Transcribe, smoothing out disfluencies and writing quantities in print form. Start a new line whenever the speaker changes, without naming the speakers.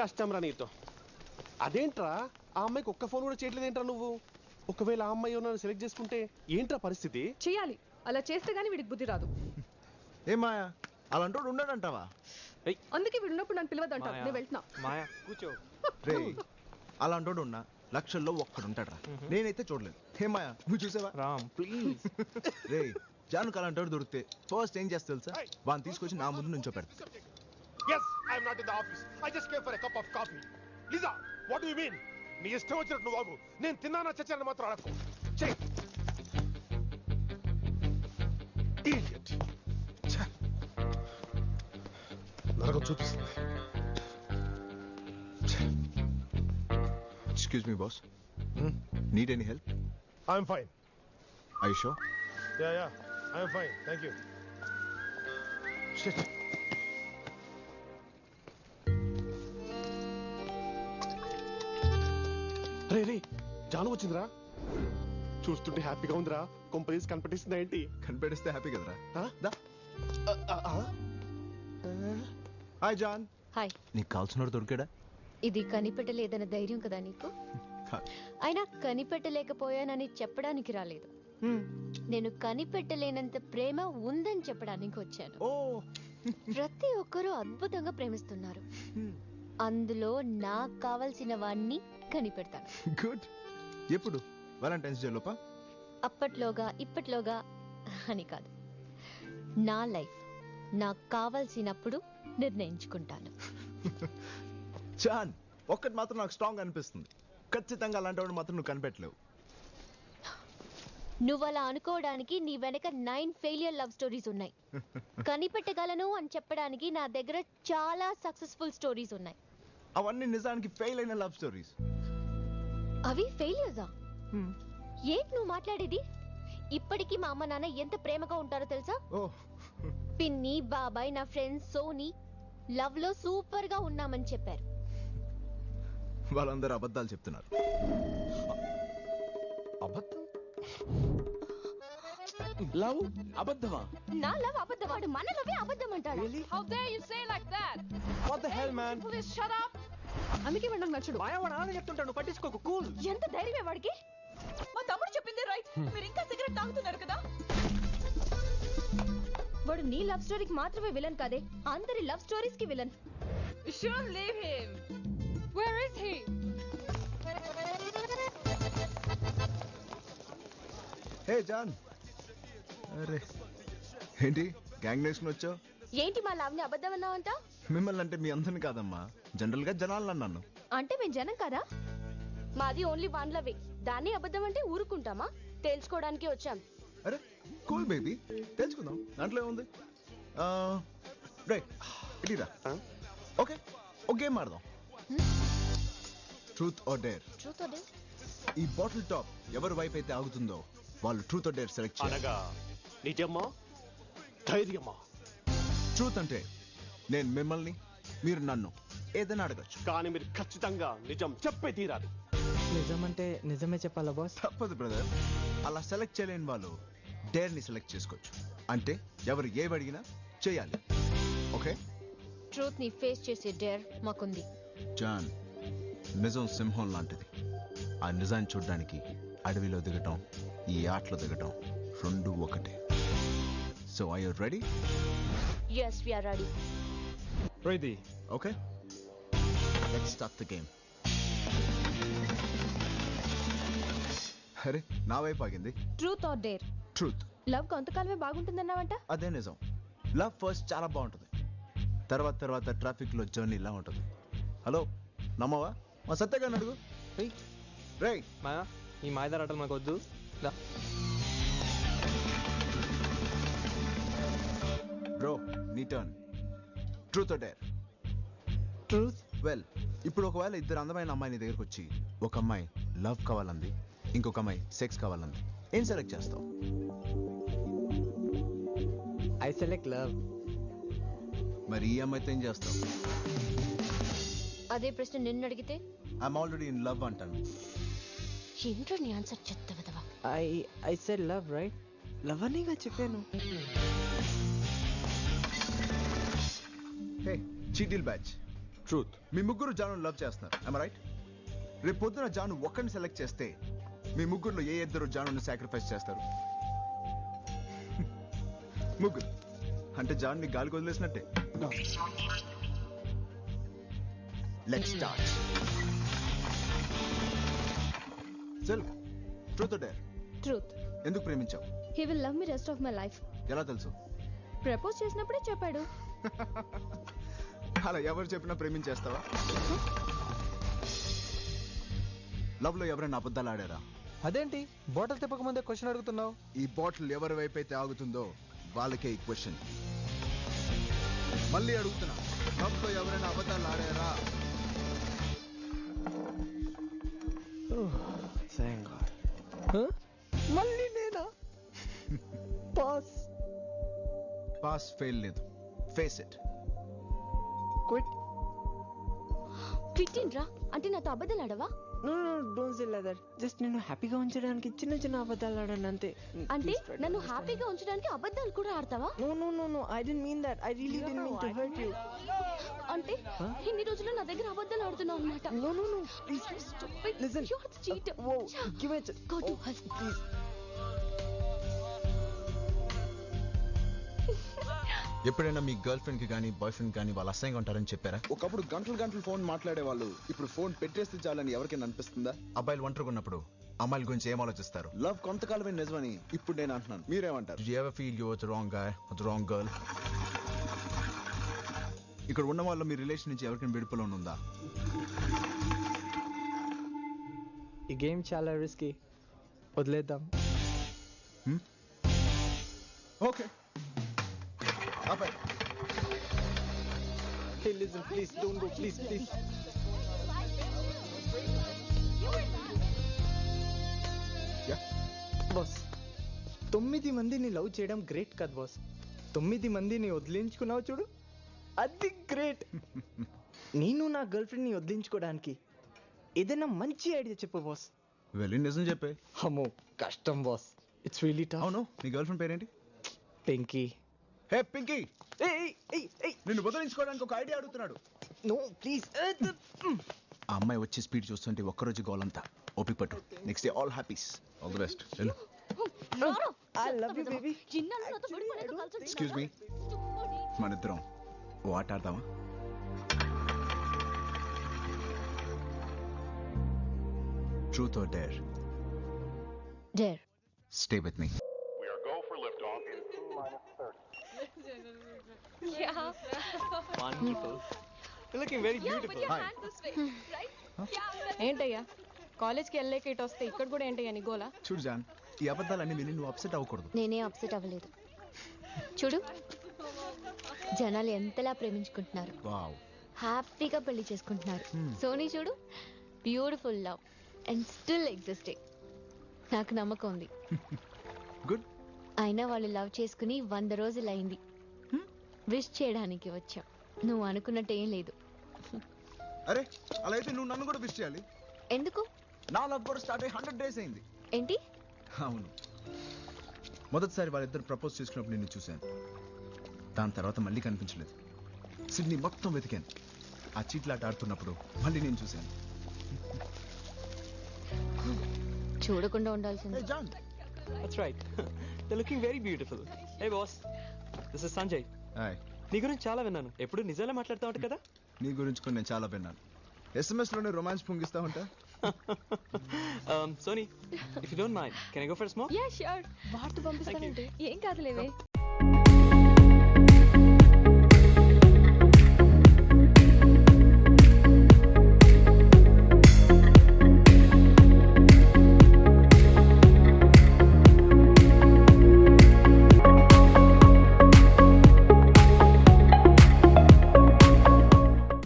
కష్టం రా నీతో. అదేంట్రా ఆ అమ్మాయికి ఒక్క ఫోన్ కూడా చేయట్లేదేంట్రా నువ్వు? ఒకవేళ ఆ అమ్మాయి నన్ను సెలెక్ట్ చేసుకుంటే ఏంట్రా పరిస్థితి?
చేయాలి, అలా చేస్తే గానీ వీడికి బుద్ధి రాదు.
ఏ మాయా అలాంటోడు ఉండడంటావా?
అందుకే వీడు ఉన్నప్పుడు నన్ను పిలవద్దంటావు. నేను వెళ్తున్నా.
మాయా కూర్చో.
రే అలాంటోడు ఉన్నా లక్షల్లో ఒక్కడుంటాడు రా. నేనైతే చూడలేదు. హే మాయా నువ్వు చూసావా?
రామ్ ప్లీజ్.
రే జానుకు అలాంటోడు దొరికితే ఫస్ట్ ఏం చేస్తా తెలుసా? వాడిని తీసుకొచ్చి నా ముందు నుంచో పెడతా.
Yes, I am not in the office. I just came for a cup of coffee. Lisa, what do you mean? నీ ఇష్టం వచ్చినట్టు నువ్వు బాబు. నేను తిన్నానా చచ్చాను మాత్రం అడగకు. చెయ్. Idiot. నరకం చూపిస్తుంది.
Excuse me boss. Need any help?
I am fine.
Are you sure?
Yeah, I am fine. Thank you. Shit. రే రే జాను వచ్చిందిరా. చూస్తుంటే హ్యాపీగా ఉందిరా. కొంపరీస్ కనిపెట్టిస్తుందా ఏంటి?
కనిపెడిస్తే హ్యాపీ కదరా.
దా.
Hi John.
హాయ్.
నీకు కావాల్సినోడు దొరికాడా?
ఇది కనిపెట్టలేదన్న ధైర్యం కదా నీకు? అయినా కనిపెట్టలేకపోయానని చెప్పడానికి రాలేదు. నేను కనిపెట్టలేనంత ప్రేమ ఉందని చెప్పడానికి వచ్చాను. ప్రతి ఒక్కరూ అద్భుతంగా ప్రేమిస్తున్నారు. అందులో నాకు కావలసిన వాణ్ణి కనిపెడతాను.
గుడ్. ఎప్పుడు? వాలంటైన్స్ డే లోపా?
అప్పట్లోగా ఇప్పట్లోగా అని కాదు. నా లైఫ్ నాకు కావలసినప్పుడు నిర్ణయించుకుంటాను.
జాన్ ఒక్కటి మాత్రం నాకు స్ట్రాంగ్ అనిపిస్తుంది. ఖచ్చితంగా అలాంటి మాత్రం నువ్వు కనిపెట్టలేవు.
నువ్వు అలా అనుకోవడానికి నీ వెనక 9 ఫెయిలియర్ లవ్ స్టోరీస్ ఉన్నాయి. కనిపెట్టగలను అని చెప్పడానికి నా దగ్గర చాలా సక్సెస్ఫుల్ స్టోరీస్ ఉన్నాయి.
అవన్నీ నిజానికి ఫెయిల్ అయిన లవ్ స్టోరీస్.
అవి ఫెయిలియర్సా? ఏంటి నువ్వు మాట్లాడేది? ఇప్పటికీ మా అమ్మ నాన్న ఎంత ప్రేమగా ఉంటారో తెలుసా? పిన్ని, బాబాయ్, నా ఫ్రెండ్స్ సోనీ లవ్ లో సూపర్ గా ఉన్నామని చెప్పారు.
వాళ్ళందరూ అబద్ధాలు చెప్తున్నారు.
అబద్ధం? లవ్ అబద్ధమా?
నా లవ్ అబద్ధమాడు, మన లవే అబద్ధం అంటాడు.
How dare you say like that?
What the hell man?
Please shut up. అందుకే వాడు నాకు నచ్చడు.
మాయా వాడు అలానే చెప్తుంటాడు, పట్టించుకోకు. కూల్.
ఎంత ధైర్యమే వాడికి?
మా తమ్ముడు చెప్పింది రైట్. మీరు ఇంకా సిగరెట్ తాగుతున్నారు కదా?
వాడు నీ లవ్ స్టోరీకి మాత్రమే విలన్ కాదే, అందరి లవ్ స్టోరీస్ కి villain.
You shouldn't leave him. Where is he?
Hey John. అరే ఏంటి గ్యాంగ్ నేషన్ వచ్చావు?
ఏంటి మా లవ్ ని అబద్ధం అన్నావంట?
మిమ్మల్ని అంటే మీ అందరిని కాదమ్మా, జనరల్ గా జనాలను అన్నాను.
అంటే మేము జనం కదా? మాది ఓన్లీ వన్ లవే. దాన్ని అబద్ధం అంటే ఊరుకుంటామా? తెలుసుకోవడానికి వచ్చాం.
అరే కూల్ బేబీ, తెలుసుకుందాం, దాంట్లో ఏముంది. రైట్ ఇటీరా. ఓకే ఒక గేమ్ ఆడదాం. Truth or dare.
Truth or dare?
ఈ బాటిల్ టాప్ ఎవరి వైపు అయితే ఆగుతుందో వాళ్ళు ట్రూత్ ఆర్ డేర్ సెలెక్ట్ చేయాలి.
అనగా నిజమా ధైర్యమా?
ట్రూత్ అంటే నేను మిమ్మల్ని, మీరు నన్ను ఏదైనా అడగచ్చు,
కానీ మీరు ఖచ్చితంగా నిజం చెప్పే తీరాలి.
నిజం అంటే నిజమే చెప్పాలా బాస్?
తప్పదు బ్రదర్. అలా సెలెక్ట్ చేయలేని వాళ్ళు డేర్ ని సెలెక్ట్ చేసుకోవచ్చు. అంటే ఎవరు ఏవి అడిగినా చేయాలి. ఓకే?
ట్రూత్ ని ఫేస్ చేసే డేర్ మాకుంది.
జాన్, నిజం సింహం లాంటిది. ఆ నిజాన్ని చూడడానికి అడవిలో దిగటం, ఈ ఆటలో దిగటం రెండు ఒకటే. So are you ready?
yes we are ready.
Ready.
Okay let's start the game. అరే నా వైపు ఆగింది.
Truth or dare?
Truth.
Love కొంతకాలమే బాగుంటుందన్నావంట?
అదే నిజం. లవ్ ఫస్ట్ చాలా బాగుంటుంది, తర్వాత తర్వాత ట్రాఫిక్ లో జర్నీ ఇలా ఉంటుంది. హలో నమ్మవా? మా సత్యగా అడుగు. రేయ్
మాయా ఈ మాయదార ఆటలు మాకు వద్దు.
బ్రో నీ turn. Truth or dare?
Truth.
Well ఇప్పుడు ఒకవేళ ఇద్దరు అందమైన అమ్మాయి దగ్గరకు వచ్చి ఒక అమ్మాయి లవ్ కావాలంది, ఇంకొక అమ్మాయి సెక్స్ కావాలంది, ఏం సెలెక్ట్ చేస్తావు?
I select love.
మరి ఈ అమ్మాయితో ఏం చేస్తావు?
అదే ప్రశ్న నిన్ను అడిగితే
ఐఎమ్ ఆల్రెడీ ఇన్ లవ్ అంటాను.
ఏంట్రా నీ ఆన్సర్ చెత్తవదవా?
I said love right. Love అనేగా చెప్పాను.
హే చీటిల్ బ్యాచ్,
ట్రూత్.
మీ ముగ్గురు జాను లవ్ చేస్తున్నారు, am I right? రేపు పొద్దున జాను ఒక్కరిని సెలెక్ట్ చేస్తే మీ ముగ్గురులో ఏ ఇద్దరు జానుని సాక్రిఫైస్ చేస్తారు? ముగ్గురు అంటే జాన్ని గాలికి వదిలేసినట్టే. Let's start. చల్, ట్రూత్ ఆర్ డేర్?
ట్రూత్.
ఎందుకు ప్రేమించావు?
He will love me rest of my life.
ఎలా తెలుసు?
ప్రపోజ్ చేసినప్పుడే చెప్పాడు.
అలా ఎవరు చెప్పినా ప్రేమించేస్తావా? లవ్ లో ఎవరైనా అబద్ధాలు ఆడారా?
అదేంటి బాటిల్ తిప్పక ముందే క్వశ్చన్ అడుగుతున్నావు?
ఈ బాటిల్ ఎవరి వైపు అయితే ఆగుతుందో వాళ్ళకే ఈ క్వశ్చన్. మళ్ళీ అడుగుతున్నా, లవ్ లో ఎవరైనా అబద్ధాలు ఆడారా?
మళ్ళీ నేనా? పాస్.
పాస్ ఫెయిల్ లేదు, ఫేస్ ఇట్.
క్విట్.
క్విట్టిండ్రా అంటే నాతో అబద్ధాలు ఆడవా?
No no don't say like that. Just నేను హ్యాపీగా ఉంచడానికి చిన్న చిన్న అబద్ధాలు ఆడాను అంతే.
అంటే నన్ను హ్యాపీగా ఉంచడానికి అబద్ధాలు కూడా ఆడతావా?
No no no no I didn't mean that. I really didn't mean to hurt you.
అంటే ఇన్ని రోజులు నా దగ్గర అబద్ధాలు ఆడుతున్నావు అన్నమాట.
No no no please listen.
You're the cheater.
Whoa, give it.
Go to hell.
Please.
ఎప్పుడైనా మీ గర్ల్ ఫ్రెండ్ కి కానీ బాయ్ ఫ్రెండ్ కానీ వాళ్ళు అసహ్యంగా ఉంటారని చెప్పారా? ఒకప్పుడు గంటలు గంటలు ఫోన్ మాట్లాడే వాళ్ళు ఇప్పుడు ఫోన్ పెట్టేస్తే చాలని ఎవరికైనా అనిపిస్తుందా? అబ్బాయిలు ఒంటరిగా ఉన్నప్పుడు అమ్మాయిల గురించి ఏం ఆలోచిస్తారు? లవ్ కొంతకాలమే నిజమని ఇప్పుడు నేను అంటున్నాను, మీరేమంటారు? Did you ever feel you were the wrong guy or the wrong girl? ఇక్కడ ఉన్న వాళ్ళు మీ రిలేషన్ నుంచి ఎవరికైనా విడుపులో ఉందా?
ఈ గేమ్ చాలా రిస్కీ, వదిలేద్దాం.
ఓకే. అబ్బాయి
Hey listen, please don't go, please please. Boss 9 మందిని లవ్ చేయడం గ్రేట్ కదా బాస్. 9 మందిని వదిలించుకున్నావు చూడు, అది గ్రేట్. నేను నా గర్ల్ ఫ్రెండ్ ని వదిలించుకోవడానికి ఏదైనా మంచి ఐడియా చెప్పు బాస్.
వెళ్ళి నిజం చెప్పే.
అమ్మో కష్టం బాస్, ఇట్స్ రియలీ టఫ్.
అవును, నీ గర్ల్ ఫ్రెండ్ పేరేంటి?
పింకీ.
హే పింకీ,
ఏయ్
నిన్ను వదిలించుకోవడానికి ఒక ఐడియా అడుగుతున్నాడు.
No please.
ఆ అమ్మాయి వచ్చి స్పీడ్ చూస్తుంటే ఒక్కరోజు గోలంతా ఓపిక పట్టు. Next day all happies, all the best. వెళ్ళు.
I love you baby.
Excuse me, మన ఇద్దరం ఓ ఆట ఆడదామా? Truth or dare?
Dare.
Stay with me.
Yeah.
Wonderful. You're looking very
Yeah,
beautiful.
put your
Hi.
hand this way, right?
ఏంటయ్యా కాలేజ్కి వెళ్ళలేక ఇటు వస్తే ఇక్కడ కూడా ఏంటయ్యా నీ గోలా?
చూడు జాన్, ఈ అబద్ధాలన్నీ విని నువ్వు అప్సెట్ అవ్వకూడదు.
నేనే అప్సెట్ అవ్వలేదు. చూడు జనాలు ఎంతలా ప్రేమించుకుంటున్నారు,
వావ్.
హ్యాపీగా పెళ్లి చేసుకుంటున్నారు. సోనీ చూడు, beautiful love and still existing. నాకు నమ్మకం ఉంది.
గుడ్.
అయినా వాళ్ళు లవ్ చేసుకుని 100 రోజులు అయింది. విష్ చేయడానికి వచ్చాం, నువ్వు అనుకున్నట్టు ఏం లేదు.
అరే అలా అయితే నువ్వు నన్ను కూడా విష్ చేయాలి.
ఎందుకు?
నా లవ్ కూడా స్టార్ట్ అయ్యి 100 days అయింది.
ఏంటి?
అవును, మొదటిసారి వాళ్ళిద్దరు ప్రపోజ్ చేసుకున్నప్పుడు నిన్ను చూశాను. దాని తర్వాత మళ్ళీ కనిపించలేదు. సిడ్నీ మొత్తం వెతికాను. ఆ చీట్లాట ఆడుతున్నప్పుడు మళ్ళీ నేను చూశాను.
చూడకుండా ఉండాల్సింది.
John,
That's right. You're looking very beautiful. Hey boss, this is Sanjay.
Hi.
నీ గురించి చాలా విన్నాను, ఎప్పుడు నిజాలే మాట్లాడుతూ ఉంటా కదా.
నీ గురించి కూడా నేను చాలా విన్నాను. SMS లోనే రొమాన్స్ పొంగిస్తా ఉంటా.
Sony, if you don't mind, can I go for a smoke?
Yeah, sure.
వాటి పంపిస్తానంటే
ఏం కాదులేవే.